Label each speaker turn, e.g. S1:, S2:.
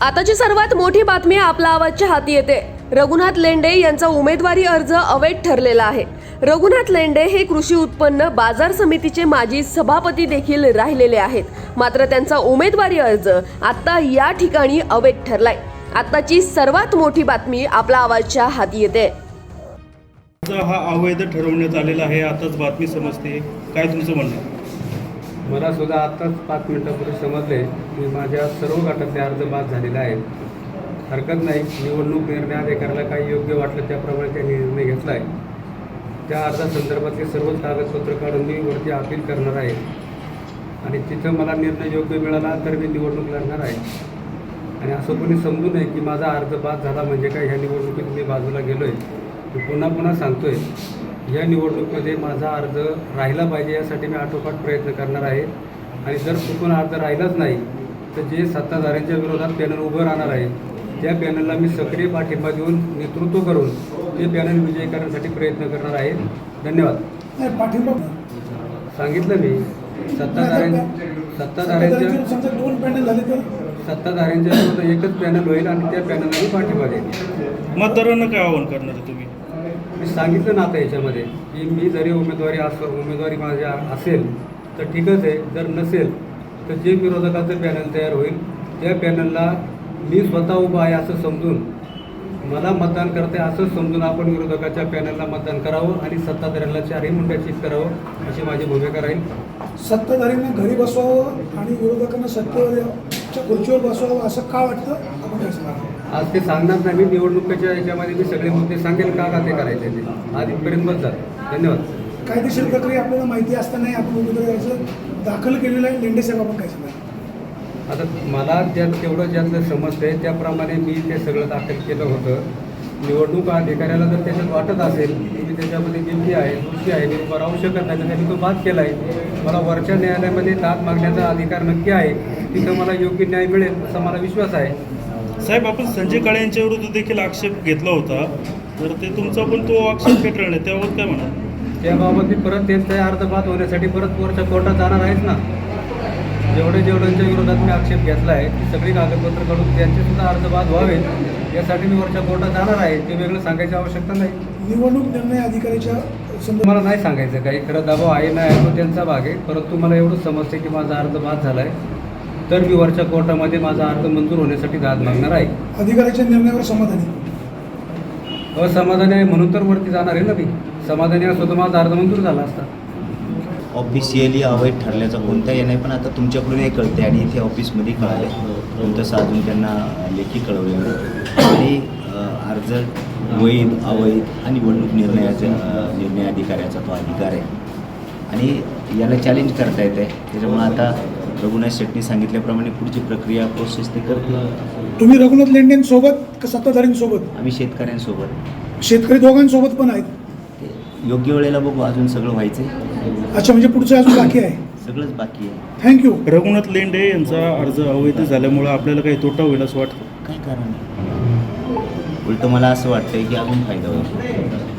S1: आताची सर्वात मोठी बातमी आपला आवाजच्या हाती येते। रघुनाथ लेंडे यांचा उमेदवारी अर्ज अवैध ठरलेला आहे। रघुनाथ लेंडे हे कृषी उत्पन्न बाजार समितीचे माजी सभापती देखील राहिलेले आहेत, मात्र त्यांचा उमेदवारी अर्ज आता या ठिकाणी अवैध ठरलाय। आताची सर्वात मोठी बातमी आपला आवाजच्या हाती येते।
S2: हा अवैध ठरवण्यात आलेला आहे, आताच बातमी समजते, काय तुमचं म्हणणं आहे?
S3: मला सुद्धा आत्ताच 5 मिनिटापूर्वी समजले की माझ्या सर्व गटातले अर्ज बाद झालेले आहेत। हरकत नाही, निवडणूक निर्णय अधिकाऱ्याला काही योग्य वाटलं त्याप्रमाणे त्यांनी निर्णय घेतला आहे। त्या अर्जासंदर्भातले सर्वच कागदपत्र काढून मी वरती अपील करणार आहे आणि तिथं मला निर्णय योग्य मिळाला तर मी निवडणूक लढणार आहे। आणि असं कोणी समजू नये की माझा अर्ज बाद झाला म्हणजे काय ह्या निवडणुकीत मी बाजूला गेलो आहे। मी पुन्हा सांगतो आहे, या निवडणुकीमध्ये माझा अर्ज राहिला पाहिजे यासाठी मी आटोकाट प्रयत्न करणार आहे। आणि जर चुकून अर्ज राहिलाच नाही तर जे सत्ताधाऱ्यांच्या विरोधात पॅनल उभं राहणार आहे त्या पॅनलला मी सक्रिय पाठिंबा देऊन नेतृत्व करून ते पॅनल विजयी करण्यासाठी प्रयत्न करणार आहे। धन्यवाद।
S4: पाठिंबा
S3: सांगितलं मी सत्ताधाऱ्यांच्या
S4: दोन पॅनल झाले तर
S3: सत्ताधाऱ्यांच्या विरोधात एकच पॅनल होईल आणि त्या पॅनलला मी पाठिंबा देईल।
S2: मतदारांना काय आवाहन करणार आहे तुम्ही?
S3: मी सांगितलं ना आता याच्यामध्ये की मी जरी उमेदवारी माझ्या असेल तर ठीकच आहे, जर नसेल तर जे विरोधकाचं पॅनल तयार होईल त्या पॅनलला मी स्वतः उभा आहे असं समजून, मला मतदान करते असं समजून आपण विरोधकाच्या पॅनलला मतदान करावं आणि सत्ताधाऱ्यांना चारही मुंड्या चित करावं अशी माझी भूमिका राहील।
S4: सत्ताधाऱ्यांना घरी बसवावं आणि विरोधकांना सत्तेच्या खुर्चीवर बसवावं असं का वाटतं आपण काय सांगा?
S3: आज ते सांगणार नाही, मी निवडणुकीच्या याच्यामध्ये मी सगळे मुद्दे सांगेल का ते करायचे ते आज इथपर्यंत बस झालं। धन्यवाद।
S4: कायदेशीर प्रक्रिया आपल्याला माहिती असतानाही आपण उमेदवारी अर्ज दाखल केलेला आहे, लेंडे साहेब आपण काय सांगा?
S3: आता मला तेवढं ज्यातलं समजतंय त्याप्रमाणे मी ते सगळं दाखल केलं होतं। निवडणूक अधिकाऱ्याला जर त्याच्यात वाटत असेल की मी त्याच्यामध्ये गिल्टी आहे, दोषी आहे, मी उभा राहू शकत नाही तर त्यांनी तो बाद केला आहे। मला वरच्या न्यायालयामध्ये दाद मागण्याचा अधिकार नक्की आहे, तिथं मला योग्य न्याय मिळेल असा मला विश्वास आहे।
S2: साहेब, आपण संजय काळे यांच्या विरुद्ध देखील आक्षेप घेतला होता, तर ते तुमचा पण तो आक्षेप फेटाळला, त्याबाबत काय म्हणा?
S3: त्याबाबत मी परत त्यांचा अर्ज बाद होण्यासाठी परत वरच्या कोर्टात जाणार आहेच ना। जेवढ्यांच्या विरोधात मी आक्षेप घेतला आहे ती सगळी कागदपत्र काढून त्यांचे सुद्धा अर्ज बाद व्हावेत यासाठी मी वरच्या कोर्टात जाणार आहे। ते वेगळं सांगायची आवश्यकता नाही।
S4: निवडणूक निर्णय अधिकाऱ्याच्या
S3: मला नाही सांगायचं काही, खरं दबाव आहे नाही आहे तो त्यांचा भाग आहे, परंतु मला एवढं समजते की माझा अर्ज बाद झाला आहे तर मी वरच्या कोर्टामध्ये माझा अर्ज मंजूर होण्यासाठी दाद मागणार आहे।
S4: अधिकाऱ्याच्या निर्णयावर समाधानी
S3: असमाधानी आहे म्हणून तर वरती जाणार आहे ना। मी समाधानी असतो तर माझा अर्ज मंजूर झाला असता।
S5: ऑफिशियली अवैध ठरल्याचा कोणताही नाही, पण आता तुमच्याकडून हे कळते आणि इथे ऑफिसमध्ये कळाले, तसं अजून त्यांना लेखी कळवले आणि अर्ज वैध अवैध आणि निवडणूक निर्णय अधिकाऱ्याचा तो अधिकार आहे आणि याला चॅलेंज करता येत आहे। त्याच्यामुळे आता रघुनाथ शेट्टी सांगितल्याप्रमाणे पुढची प्रक्रिया प्रोसेस ते करते।
S4: तुम्ही रघुनाथ लेंडेंसोबत का सत्ताधाऱ्यांसोबत?
S5: आम्ही शेतकऱ्यांसोबत,
S4: शेतकरी दोघांसोबत पण आहेत।
S5: योग्य वेळेला बघू, अजून सगळं व्हायचं आहे।
S4: अच्छा, म्हणजे पुढचं अजून बाकी आहे?
S5: सगळंच बाकी आहे।
S4: थँक्यू।
S2: रघुनाथ लेंडे यांचा अर्ज अवैध झाल्यामुळे आपल्याला काही तोटा होईल असं वाटतं?
S5: काय कारण आहे? उलटं मला असं वाटतंय की अजून फायदा होईल।